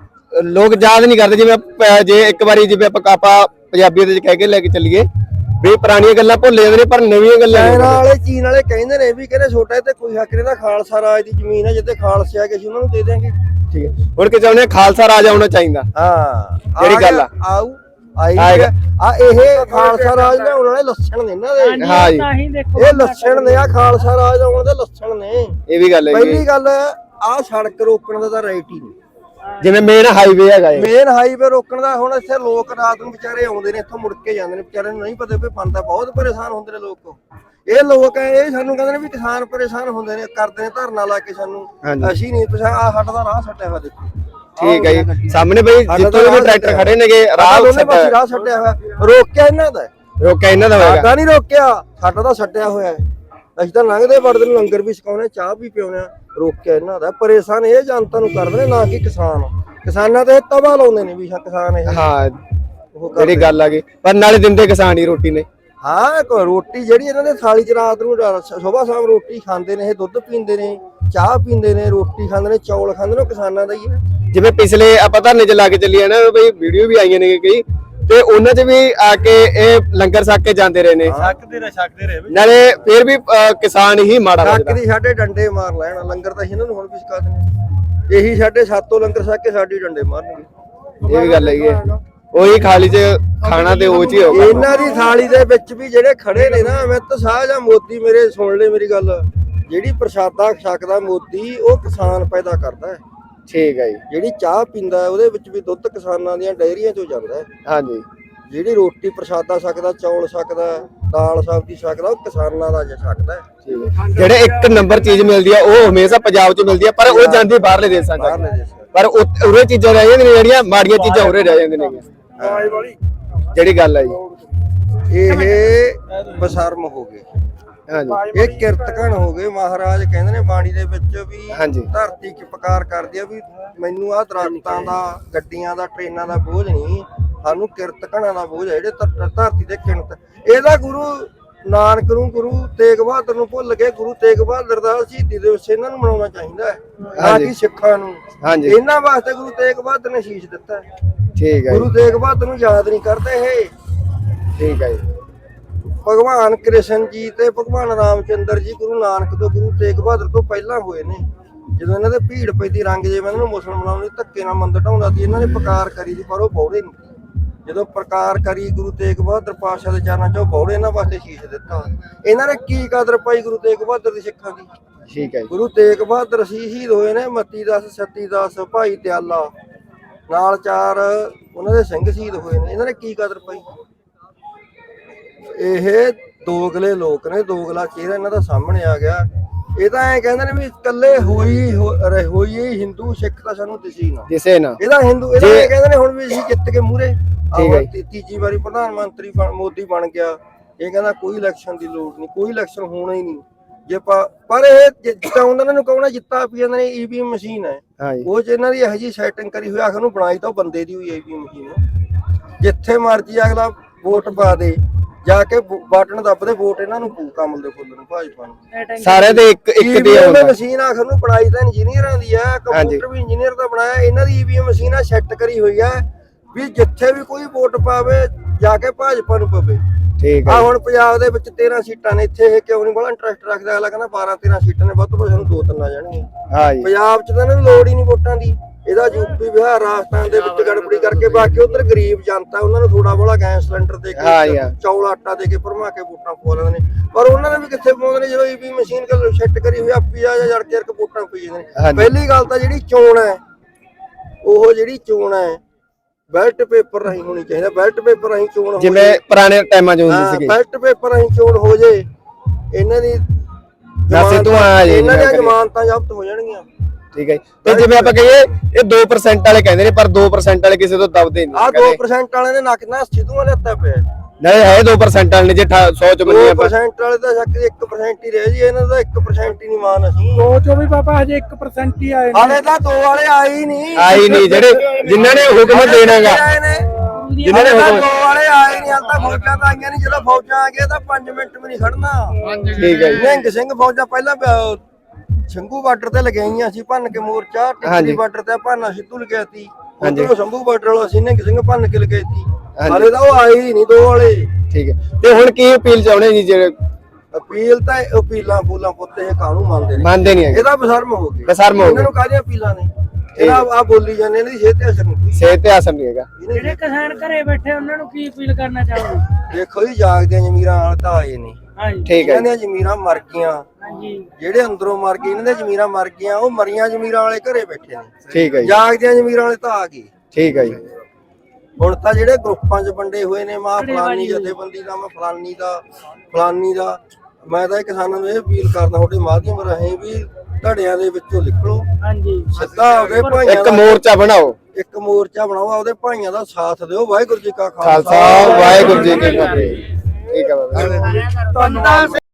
ਲੋਕ ਯਾਦ ਨਹੀਂ ਕਰਦੇ। ਜਿਵੇਂ ਆਪਾਂ- ਜੇ ਇੱਕ ਵਾਰੀ ਜਿਵੇਂ ਆਪਾਂ ਆਪਾਂ ਪੰਜਾਬੀਆਂ ਦੇ ਕਹਿ ਕੇ ਲੈ ਕੇ ਚੱਲੀਏ ਵੀ ਪੁਰਾਣੀਆਂ ਗੱਲਾਂ ਭੁੱਲ ਜਾਂਦੇ ਨੇ, ਪਰ ਨਵੀਆਂ ਗੱਲਾਂ
ਚਾਈਨਾ ਵਾਲੇ ਚੀਨ ਵਾਲੇ ਕਹਿੰਦੇ ਨੇ ਵੀ ਕਹਿੰਦੇ ਛੋਟਾ ਤੇ ਕੋਈ ਹੱਕ ਨਹੀਂ ਦਾ, ਖਾਲਸਾ ਰਾਜ ਦੀ ਜ਼ਮੀਨ ਹੈ, ਜਿੱਥੇ ਖਾਲਸੇ ਆ ਗਏ ਸੀ ਉਹਨਾਂ ਨੂੰ ਦੇ ਦੇਾਂਗੇ।
ਠੀਕ ਹੈ, ਹੁਣ ਕਿ ਚਾਹੁੰਦੇ ਖਾਲਸਾ ਰਾਜ ਆਉਣਾ ਚਾਹੀਦਾ।
ਹਾਂ
ਜਿਹੜੀ ਗੱਲ ਆ
ਆਉ ਆਈ ਆ ਇਹ ਖਾਲਸਾ ਰਾਜ ਦੇ ਆਉਣ ਵਾਲੇ ਲੱਛਣ ਨੇ ਇਹਨਾਂ ਦੇ।
ਹਾਂ ਜੀ
ਤਾਂ ਹੀ ਦੇਖੋ
ਇਹ ਲੱਛਣ ਨੇ, ਆ ਖਾਲਸਾ ਰਾਜ ਆਉਣ ਦੇ ਲੱਛਣ ਨੇ।
ਇਹ ਵੀ ਗੱਲ ਹੈ।
ਪਹਿਲੀ ਗੱਲ ਆਹ ਸੜਕ ਰੋਕਣ ਦਾ ਤਾਂ ਰਾਈਟ ਹੀ ਨਹੀਂ।
ਜਿਵੇਂ ਮੇਨ ਹਾਈਵੇ ਹੈਗਾ ਇਹ,
ਮੇਨ ਹਾਈਵੇ ਰੋਕਣ ਦਾ ਹੁਣ ਇੱਥੇ ਲੋਕ ਰਾਤ ਨੂੰ ਵਿਚਾਰੇ ਆਉਂਦੇ ਨੇ, ਇੱਥੋਂ ਮੁੜ ਕੇ ਜਾਂਦੇ ਨੇ, ਵਿਚਾਰੇ ਨੂੰ ਨਹੀਂ ਪਤਾ ਵੀ ਬੰਦਾ ਬਹੁਤ ਪਰੇਸ਼ਾਨ ਹੁੰਦੇ ਨੇ ਲੋਕ। ਇਹ ਲੋਕ ਹੈ ਇਹ ਸਾਨੂੰ ਕਹਿੰਦੇ ਨੇ ਵੀ ਕਿਸਾਨ ਪਰੇਸ਼ਾਨ ਹੁੰਦੇ ਨੇ, ਕਰਦੇ ਨੇ ਧਰਨਾ ਲਾ ਕੇ ਸਾਨੂੰ। ਅਸੀਂ ਨਹੀਂ ਪਛਾ ਆ ਸਾਡਾ ਦਾ ਰਾਹ ਛੱਡਿਆ ਹੋਇਆ ਦੇਖੋ।
ਠੀਕ ਹੈ ਜੀ, ਸਾਹਮਣੇ ਬਈ ਜਿੱਥੋਂ ਵੀ ਟਰੈਕਟਰ ਖੜੇ ਨੇਗੇ ਰਾਹ
ਦੋਨੇ ਪਾਸੇ ਰਾਹ ਛੱਡਿਆ ਹੋਇਆ। ਰੋਕਿਆ ਇਹਨਾਂ ਦਾ,
ਰੋਕਿਆ ਇਹਨਾਂ ਦਾ ਹੋਏਗਾ।
ਸਾਡਾ ਨਹੀਂ ਰੋਕਿਆ, ਸਾਡਾ ਤਾਂ ਛੱਡਿਆ ਹੋਇਆ। ਅਸੀਂ ਤਾਂ ਲੰਘਦੇ ਵੜਦੇ ਨੂੰ ਲੰਗਰ ਵੀ ਛਕਾਉਣੇ, ਚਾਹ ਵੀ ਪਿਉਣੇ। ਰੋਕਿਆ ਇਹਨਾਂ ਦਾ। ਪਰੇਸ਼ਾਨ ਇਹ ਜਨਤਾ ਨੂੰ ਕਰਦੇ ਨੇ, ਨਾ ਕਿ ਕਿਸਾਨ। ਕਿਸਾਨਾਂ ਤੇ ਤਵਾ ਲਾਉਂਦੇ ਨੇ ਵੀ ਕਿਸਾਨ ਇਹ।
ਹਾਂ ਜਿਹੜੀ ਗੱਲ ਆ ਗਈ, ਪਰ ਨਾਲੇ ਦਿੰਦੇ ਕਿਸਾਨ ਹੀ ਰੋਟੀ ਨੇ।
ਹਾਂ ਕੋਈ ਰੋਟੀ ਜਿਹੜੀ ਇਹਨਾਂ ਦੇ ਥਾਲੀ ਚ ਰਾਤ ਨੂੰ ਸੁਬਾਹ ਸ਼ਾਮ ਰੋਟੀ ਖਾਂਦੇ ਨੇ, ਇਹ ਦੁੱਧ ਪੀਂਦੇ ਨੇ, ਚਾਹ ਪੀਂਦੇ ਨੇ, ਰੋਟੀ ਖਾਂਦੇ ਨੇ, ਚੌਲ ਖਾਂਦੇ ਨੇ, ਉਹ ਕਿਸਾਨਾਂ ਦਾ ਹੀ ਹੈ।
ਜਿਵੇਂ ਪਿਛਲੇ ਆਪਾਂ ਧਰਨੇ ਚ ਲਾ ਕੇ ਚੱਲੀਏ ਨਾ ਬਈ, ਵੀਡੀਓ ਵੀ ਆਈਆਂ ਨੇ ਕਈ, ਤੇ ਉਹਨਾਂ ਚ ਵੀ ਆ ਕੇ ਇਹ ਲੰਗਰ ਛਕ ਕੇ ਜਾਂਦੇ ਰਹੇ ਨੇ।
ਛਕਦੇ ਰਹੇ ਛਕਦੇ ਰਹੇ
ਨਾਲੇ ਫਿਰ ਵੀ ਅਹ, ਕਿਸਾਨ ਹੀ ਮਾੜਾ
ਛੱਕ
ਲੱਗਦਾ।
ਦੀ ਸਾਡੇ ਡੰਡੇ ਮਾਰ ਲੈਣ, ਲੰਗਰ ਤਾਂ ਇਹਨਾਂ ਨੂੰ ਹੁਣ ਵੀ ਛਕਾ ਦਿੰਦੇ। ਇਹੀ ਸਾਡੇ ਸਾਤੋਂ ਲੰਗਰ ਛਕ ਕੇ ਸਾਡੀ ਡੰਡੇ ਮਾਰਨਗੇ।
ਇਹ ਵੀ ਗੱਲ ਹੈਗੀ ਹੈ। ਉਹੀ ਖਾਲੀ ਚ ਖਾਣਾ ਤੇ ਉਹ ਚ ਹੀ ਹੋਗਾ।
ਇਹਨਾਂ ਦੀ ਥਾਲੀ ਦੇ ਵਿੱਚ ਵੀ ਜਿਹੜੇ ਖੜੇ ਨੇ ਨਾ, ਅਮਿਤ ਸ਼ਾਹ ਜਾਂ ਮੋਦੀ, ਮੇਰੇ ਸੁਣ ਲੈ ਮੇਰੀ ਗੱਲ, ਜਿਹੜੀ ਪ੍ਰਸ਼ਾਦਾ ਛਕਦਾ ਮੋਦੀ, ਉਹ ਕਿਸਾਨ ਪੈਦਾ ਕਰਦਾ ਹੈ।
ਠੀਕ ਹੈ ਜੀ।
ਜਿਹੜੀ ਚਾਹ ਪੀਂਦਾ ਹੈ ਉਹਦੇ ਵਿੱਚ ਵੀ ਦੁੱਧ ਕਿਸਾਨਾਂ ਦੀਆਂ ਡਾਇਰੀਆਂ ਚੋਂ ਜਾਂਦਾ ਹੈ।
ਹਾਂਜੀ।
ਜਿਹੜੀ ਰੋਟੀ ਪ੍ਰਸ਼ਾਦਾ ਛਕਦਾ, ਚੌਲ ਛਕਦਾ, ਦਾਲ ਸਬਜ਼ੀ ਛਕਦਾ, ਉਹ ਕਿਸਾਨਾਂ ਦਾ ਜੇ ਛਕਦਾ ਹੈ।
ਜਿਹੜੇ ਇੱਕ ਨੰਬਰ ਚੀਜ਼ ਮਿਲਦੀ ਆ ਉਹ ਹਮੇਸ਼ਾ ਪੰਜਾਬ 'ਚ ਮਿਲਦੀ ਆ, ਪਰ ਉਹ ਜਾਂਦੀ ਬਾਹਰਲੇ ਦੇਸ਼ਾਂ 'ਚ।
ਬਾਹਰਲੇ ਦੇਸ਼ਾਂ
ਪਰ ਉਰੇ ਚੀਜ਼ਾਂ ਰਹਿ ਜਾਂਦੀਆਂ ਨੇ, ਜਿਹੜੀਆਂ ਮਾੜੀਆਂ ਚੀਜ਼ਾਂ ਉਰੇ ਰਹਿ ਜਾਂਦੀਆਂ ਨੇ। ਜਿਹੜੀ ਗੱਲ ਆ ਜੀ,
ਇਹ ਬਸ਼ਰਮ ਹੋ ਗਏ,
ਹਾਂਜੀ
ਇਹ ਕਿਰਤਕਣ ਹੋ ਗਏ। ਮਹਾਰਾਜ ਕਹਿੰਦੇ ਨੇ ਬਾਣੀ ਦੇ ਵਿੱਚ ਵੀ
ਹਾਂਜੀ।
ਧਰਤੀ ਚਪਕਾਰ ਕਰਦੀ ਆ ਵੀ ਮੈਨੂੰ ਆਹ ਦਰਖਤਾਂ ਦਾ, ਗੱਡੀਆਂ ਦਾ, ਟ੍ਰੇਨਾਂ ਦਾ ਬੋਝ ਨਹੀਂ, ਸਾਨੂੰ ਕਿਰਤਕਣਾਂ ਦਾ ਬੋਝ ਹੈ, ਜਿਹੜੇ ਧਰ- ਧਰਤੀ ਦੇ ਕਿਣਤ। ਇਹਦਾ ਗੁਰੂ ਨਾਨਕ ਨੂੰ, ਗੁਰੂ ਤੇਗ ਬਹਾਦਰ ਨੂੰ ਭੁੱਲ ਕੇ ਗੁਰੂ ਤੇਗ ਬਹਾਦਰ ਦਾ ਸ਼ਹੀਦੀ ਦਿਵਸ ਇਹਨਾਂ ਨੂੰ ਮਨਾਉਣਾ ਚਾਹੀਦਾ ਹੈ, ਨਾ ਕਿ ਸਿੱਖਾਂ ਨੂੰ।
ਹਾਂਜੀ।
ਇਹਨਾਂ ਵਾਸਤੇ ਗੁਰੂ ਤੇਗ ਬਹਾਦਰ ਨੇ ਸ਼ੀਸ਼ ਦਿੱਤਾ ਹੈ।
ਠੀਕ ਹੈ
ਗੁਰੂ ਤੇਗ ਬਹਾਦਰ ਨੂੰ ਯਾਦ ਨਹੀਂ ਕਰਦੇ ਇਹ।
ਠੀਕ ਹੈ ਜੀ।
ਭਗਵਾਨ ਕ੍ਰਿਸ਼ਨ ਜੀ ਤੇ ਭਗਵਾਨ ਰਾਮਚੰਦਰ ਜੀ ਗੁਰੂ ਨਾਨਕ ਤੋਂ, ਗੁਰੂ ਤੇਗ ਬਹਾਦਰ ਤੋਂ ਪਹਿਲਾਂ ਹੋਏ ਨੇ। ਜਦੋਂ ਇਹਨਾਂ ਦੇ ਭੀੜ ਪੈਦੀ ਰੰਗ ਜੇ ਇਹਨਾਂ ਨੂੰ ਮੁਸਲਮਾਨਾਂ ਨੂੰ ਧੱਕੇ ਨਾਲ ਮੰਦਰ ਢਾਉਂਦਾ ਸੀ, ਇਹਨਾਂ ਨੇ ਪ੍ਰਕਾਰ ਕਰੀ ਸੀ, ਪਰ ਉਹ ਬੌੜੇ ਨਹੀਂ। ਜਦੋਂ ਪ੍ਰਕਾਰ ਕਰੀ ਗੁਰੂ ਤੇਗ ਬਹਾਦਰ ਪਾਤਸ਼ਾਹ ਦੇ ਚਰਨਾਂ 'ਚ, ਉਹ ਬੌੜੇ ਇਹਨਾਂ ਵਾਸਤੇ ਸ਼ੀਸ਼ ਦਿੱਤਾ। ਇਹਨਾਂ ਨੇ ਕੀ ਕਦਰ ਪਾਈ ਗੁਰੂ ਤੇਗ ਬਹਾਦਰ ਦੀ ਸਿੱਖਾਂ ਦੀ?
ਠੀਕ ਹੈ ਜੀ।
ਗੁਰੂ ਤੇਗ ਬਹਾਦਰ ਸੀ ਸ਼ਹੀਦ ਹੋਏ ਨੇ, ਮੱਤੀ ਦਾਸ, ਸਤੀ ਦਾਸ, ਭਾਈ ਦਿਆਲਾ, ਨਾਲ ਚਾਰ ਉਹਨਾਂ ਦੇ ਸਿੰਘ ਸ਼ਹੀਦ ਹੋਏ ਨੇ। ਇਹਨਾਂ ਨੇ ਕੀ ਕਦਰ ਪਾਈ? ਇਹ ਦੋਗਲੇ ਲੋਕ ਨੇ, ਦੋਗਲਾ ਚਿਹਰਾ ਇਹਨਾਂ ਦਾ ਸਾਹਮਣੇ ਆ ਗਿਆ। ਇਹ ਤਾਂ ਐ ਕਹਿੰਦੇ ਨੇ ਵੀ ਇਕੱਲੇ ਹੋਈ ਹੋਈ ਹਿੰਦੂ ਸਿੱਖ ਤਾਂ ਸਾਨੂੰ ਦਿਸੀ ਨਾ,
ਕਿਸੇ ਨਾ।
ਇਹਦਾ ਹਿੰਦੂ, ਇਹਦਾ ਇਹ ਕਹਿੰਦੇ ਨੇ ਹੁਣ ਵੀ ਅਸੀਂ ਜਿੱਤ ਕੇ ਮੂਹਰੇ
ਠੀਕ
ਤੀਜੀ ਵਾਰੀ ਪ੍ਰਧਾਨ ਮੰਤਰੀ ਮੋਦੀ ਬਣ ਗਿਆ। ਇਹ ਕਹਿੰਦਾ ਕੋਈ ਇਲੈਕਸ਼ਨ ਦੀ ਲੋੜ ਨਹੀਂ, ਕੋਈ ਇਲੈਕਸ਼ਨ ਹੋਣਾ ਹੀ ਨਹੀਂ। ਜੇ ਪਰ ਇਹ ਜਿੱਤਾ ਉਹਨਾਂ ਨੂੰ ਕਹਣਾ ਜਿੱਤਾ ਪੀ ਜਾਂਦੇ ਨੇ, ਈਵੀਐਮ ਮਸ਼ੀਨ ਹੈ ਉਹ, ਚ ਇਹਨਾਂ ਦੀ ਇਹੋ ਜਿਹੀ ਸੈਟਿੰਗ ਕਰੀ ਹੋਈ, ਆਖਰ ਨੂੰ ਬਣਾਈ ਤਾਂ ਬੰਦੇ ਦੀ ਹੋਈ ਈਵੀਐਮ ਮਸ਼ੀਨ। ਜਿੱਥੇ ਮਰਜੀ ਅਗਲਾ ਵੋਟ ਪਾ ਦੇ, ਜਾ ਕੇ ਬਟਨ ਦੱਬਦੇ ਵੋਟ ਇਹਨਾਂ ਨੂੰ ਪੂ ਕਮਲ ਦੇ ਫੁੱਲ ਨੂੰ ਭਾਜਪਾ ਨੂੰ।
ਸਾਰੇ ਦੇ ਇੱਕ ਇੱਕ ਤੇ
ਈਵੀਐਮ
ਆਉਂਦਾ
ਮਸ਼ੀਨ ਆਖਰ ਨੂੰ ਬਣਾਈ ਤਾਂ ਇੰਜੀਨੀਅਰਾਂ ਦੀ ਆ, ਕੰਪਿਊਟਰ ਵੀ ਇੰਜੀਨੀਅਰ ਦਾ ਬਣਾਇਆ। ਇਹਨਾਂ ਦੀ ਈਵੀਐਮ ਮਸ਼ੀਨ ਆ ਸੈੱਟ ਕਰੀ ਹੋਈ ਆ ਵੀ ਜਿੱਥੇ ਵੀ ਕੋਈ ਵੋਟ ਪਾਵੇ ਜਾ ਕੇ ਭਾਜਪਾ ਨੂੰ ਪਵੇ।
ਠੀਕ
ਆ
ਹੈ
ਹੁਣ ਪੰਜਾਬ ਦੇ ਵਿੱਚ ਤੇਰਾਂ ਸੀਟਾਂ ਨੇ, ਇੱਥੇ ਇਹ ਕਿਉਂ ਨਹੀਂ ਬੜਾ ਇੰਟਰਸਟ ਰੱਖਦਾ? ਅਗਲਾ ਕਹਿੰਦਾ ਬਾਰਾਂ ਤੇਰਾਂ ਸੀਟਾਂ ਨੇ, ਵੱਧ ਤੋਂ ਵੱਧ ਸਾਨੂੰ ਦੋ ਤਿੰਨ ਆ ਜਾਣਗੀਆਂ।
ਹਾਂ ਜੀ
ਪੰਜਾਬ 'ਚ ਤਾਂ ਇਹਨਾਂ ਨੂੰ ਲੋੜ ਹੀ ਨਹੀਂ ਵੋਟਾਂ ਦੀ। ਇਹਦਾ ਯੂਪੀ ਬਿਹਾਰ ਰਾਜਸਥਾਨ ਦੇ ਵਿੱਚ ਗੜਬੜੀ ਕਰਕੇ ਬਾਕੀ ਉਧਰ ਗਰੀਬ ਜਨਤਾ ਉਹਨਾਂ ਨੂੰ ਥੋੜਾ ਬੋਲਾ ਗੈਸ ਸਿਲੰਡਰ ਦੇ
ਹਾਂ
ਕੇ
ਯਾਰ।
ਚੌਲ ਆਟਾ ਦੇ ਕੇ ਭਰਮਾ ਕੇ ਵੋਟਾਂ ਪਵਾ ਲੈਂਦੇ ਨੇ। ਪਰ ਉਹਨਾਂ ਨੇ ਵੀ ਕਿੱਥੇ ਪਾਉਂਦੇ ਨੇ ਜਦੋਂ ਈਵੀ ਮਸ਼ੀਨ ਕੋਲ ਸੈੱਟ ਕਰੀ ਹੋਈ ਆਪੀ ਆ ਜਾਂ ਜੜ ਕੇ ਰਕ ਵੋਟਾਂ ਪਈ ਜਾਂਦੇ ਨੇ।
ਹਾਂਜੀ।
ਪਹਿਲੀ ਗੱਲ ਤਾਂ ਜਿਹੜੀ ਚੋਣ ਹੈ ਉਹ ਜਿਹੜੀ ਚੋਣ ਹੈ ਬੈਲਟ ਪੇਪਰ ਰਾਹੀਂ ਹੋਣੀ ਚਾਹੀਦਾ। ਬੈਲਟ ਪੇਪਰ ਰਾਹੀਂ ਚੋਣ ਹੋ
ਜਿਵੇਂ ਪੁਰਾਣੇ ਟਾਈਮਾਂ 'ਚ ਹੁੰਦੀ
ਹਾਂ,
ਸੀਗੀ
ਬੈਲਟ ਪੇਪਰ ਰਾਹੀਂ ਚੋਣ ਹੋ ਜੇ ਇਹਨਾਂ ਦੀ
ਵੈਸੇ ਤੂੰ ਆ ਜੇ
ਇਹਨਾਂ ਦੀਆਂ ਜ਼ਮਾਨਤਾਂ ਜ਼ਬਤ ਹੋ ਜਾਣਗੀਆਂ।
ਠੀਕ ਹੈ ਤੇ ਜਿਵੇਂ ਆਪਾਂ ਕਹੀਏ ਇਹ ਦੋ ਪਰਸੈਂਟ ਵਾਲੇ ਕਹਿੰਦੇ ਨੇ ਪਰ ਦੋ ਪਰਸੈਂਟ ਵਾਲੇ ਕਿਸੇ ਤੋਂ ਦਬਦੇ ਨਹੀਂ
ਆਹ ਦੋ ਪਰਸੈਂਟ ਵਾਲੇ ਨੇ ਨੱਕ ਨਾਲ ਸਿੱਧੂਆਂ ਲੈਤਾ ਪਿਆ।
ਨਹੀਂ ਹੈ ਦੋ ਪਰਸੈਂਟ ਵਾਲੇ ਨੇ ਜੇ ਸੌ ਚ ਮੰਨੀਏ
ਦੋ
ਆਪਾਂ
ਪਰਸੈਂਟ ਵਾਲੇ ਤਾਂ ਸ਼ੱਕ ਇੱਕ ਪਰਸੈਂਟ ਹੀ ਰਹਿ ਜੀ, ਇਹਨਾਂ ਦਾ ਇੱਕ ਪਰਸੈਂਟ ਹੀ ਨਹੀਂ ਮਾਨ ਅਸੀਂ।
ਦੋ ਚੋਂ ਵੀ ਬਾਬਾ ਹਜੇ ਇੱਕ ਪਰਸੈਂਟ ਹੀ ਆਏ ਨੇ।
ਹਾਲੇ ਤਾਂ ਦੋ ਵਾਲੇ ਆਏ ਹੀ ਨਹੀਂ
ਆਈ ਨਹੀਂ ਜਿਹੜੇ ਜਿਨ੍ਹਾਂ ਨੇ ਹੁਕਮ ਦੇਣਾਗਾ
ਆਏ ਨੇ
ਜਿਨ੍ਹਾਂ ਨੇ
ਹਾਲੇ ਤਾਂ
ਹੁਕਮ
ਦੋ ਵਾਲੇ ਆਏ ਨਹੀਂ। ਹਾਲੇ ਤਾਂ ਫੌਜਾਂ ਤਾਂ ਆਈਆਂ ਨਹੀਂ। ਜਦੋਂ ਫੌਜਾਂ ਆ ਗਈਆਂ ਤਾਂ ਪੰਜ ਮਿੰਟ ਵੀ ਨਹੀਂ ਖੜਨਾ।
ਠੀਕ ਹੈ ਜੀ
ਨਿਹੰਗ ਸਿੰਘ ਫੌਜਾਂ ਪਹਿਲਾਂ ਪ- ਸ਼ੰਭੂ ਬਾਰਡਰ ਤੇ ਲਗਾਈਆਂ ਸੀ ਭੰਨ ਕੇ ਮੋਰਚਾ। ਟਿੱਕਰੀ ਬਾਰਡਰ ਤੇ ਭਾਨਾ ਸਿੱਧੂ ਲਗਾਇਆ ਸੀ। ਉਧਰੋਂ ਸ਼ੰਭੂ ਬਾਰਡਰ ਵਾਲਾ ਸੀ ਨਿਹੰਗ ਸਿੰਘ ਭੰਨ ਕੇ ਲਗਾਈ ਸੀ। ਹਾਲੇ ਤਾਂ ਉਹ ਆਏ ਹੀ ਨਹੀਂ ਦੋ ਵਾਲੇ।
ਠੀਕ ਹੈ ਤੇ ਹੁਣ ਕੀ ਅਪੀਲ ਚਾਹੁੰਦੇ ਜੀ ਜਿਹੜੇ
ਅਪੀਲ ਤਾਂ ਅਪੀਲਾਂ ਫੂਲਾਂ ਪੁੱਤ ਇਹ ਕਾਹਨੂੰ ਮੰਨਦੇ ਨੇ?
ਮੰਨਦੇ ਨਹੀਂ ਹੈਗੇ
ਇਹਦਾ ਬਸ਼ਰਮ ਹੋ ਗਿਆ।
ਬਸ਼ਰਮ ਹੋ
ਇਹਨਾਂ
ਗਿਆ
ਨੂੰ ਕਾਹਦੀਆਂ ਅਪੀਲਾਂ ਨੇ? ਇਹਦਾ ਆ ਬੋਲੀ ਜਾਂਦੇ ਇਹਨਾਂ ਦੀ ਸਿਹਤ ਤੇ ਅਸਰ ਨਹੀਂ।
ਸਿਹਤ ਤੇ ਅਸਰ ਨਹੀਂ ਹੈਗਾ।
ਜਿਹੜੇ ਕਿਸਾਨ ਘਰੇ ਬੈਠੇ ਉਹਨਾਂ ਨੂੰ ਕੀ ਅਪੀਲ ਕਰਨਾ ਚਾਹੋਗੇ?
ਦੇਖੋ ਜੀ ਜਾਗਦਿਆਂ ਜ਼ਮੀਰਾਂ ਵਾਲੇ ਤਾਂ ਆਏ ਨਹੀਂ।
ਹਾਂਜੀ
ਠੀਕ ਹੈ
ਇਹਨਾਂ ਦੀਆਂ ਜ਼ਮੀਰਾਂ ਮਰ ਗਈਆਂ।
ਹਾਂਜੀ
ਜਿਹੜੇ ਅੰਦਰੋਂ ਮਰ ਗਏ ਇਹਨਾਂ ਦੀਆਂ ਜ਼ਮੀਰਾਂ ਮਰ ਗਈਆਂ। ਉਹ ਮਰੀਆਂ ਜ਼ਮੀਰਾਂ ਵਾਲੇ ਘਰੇ ਬੈਠੇ ਨੇ।
ਠੀਕ ਹੈ ਜੀ
ਜਾਗਦਿਆਂ ਜ਼ਮੀਰਾਂ ਵਾਲੇ ਤਾਂ ਆ ਗਏ।
ਠੀਕ ਹੈ ਜੀ
ਹੁਣ ਤਾਂ ਜਿਹੜੇ ਗਰੁੱਪਾਂ 'ਚ ਵੰਡੇ ਹੋਏ ਨੇ ਮਾਂ ਫਲਾਨੀ ਜਥੇਬੰਦੀ ਦਾ ਮੈਂ ਫਲਾਨੀ ਦਾ ਫਲਾਨੀ ਦਾ। ਮੈਂ ਤਾਂ ਇਹ ਕਿਸਾਨਾਂ ਨੂੰ ਇਹ ਅਪੀਲ ਕਰਦਾ ਤੁਹਾਡੇ ਮਾਧਿਅਮ ਰਾਹੀਂ ਵੀ ਧੜਿਆਂ ਦੇ ਵਿੱਚੋਂ ਨਿਕਲੋ।
ਹਾਂਜੀ
ਸਿੱਧਾ ਉਹਦੇ ਭਾਈਆਂ
ਇੱਕ
ਦਾ
ਮੋਰਚਾ ਬਣਾਓ
ਇੱਕ ਮੋਰਚਾ ਬਣਾਓ। ਉਹਦੇ ਭਾਈਆਂ ਦਾ ਸਾਥ ਦਿਓ। ਵਾਹਿਗੁਰੂ ਜੀ ਕਾ
ਖਾਲਸਾ ਵਾਹਿਗੁਰੂ ਜੀ ਕੀ ਫਤਿਹ। ਠੀਕ ਹੈ ਬਾਬਾ
ਧੰਨਵਾਦ।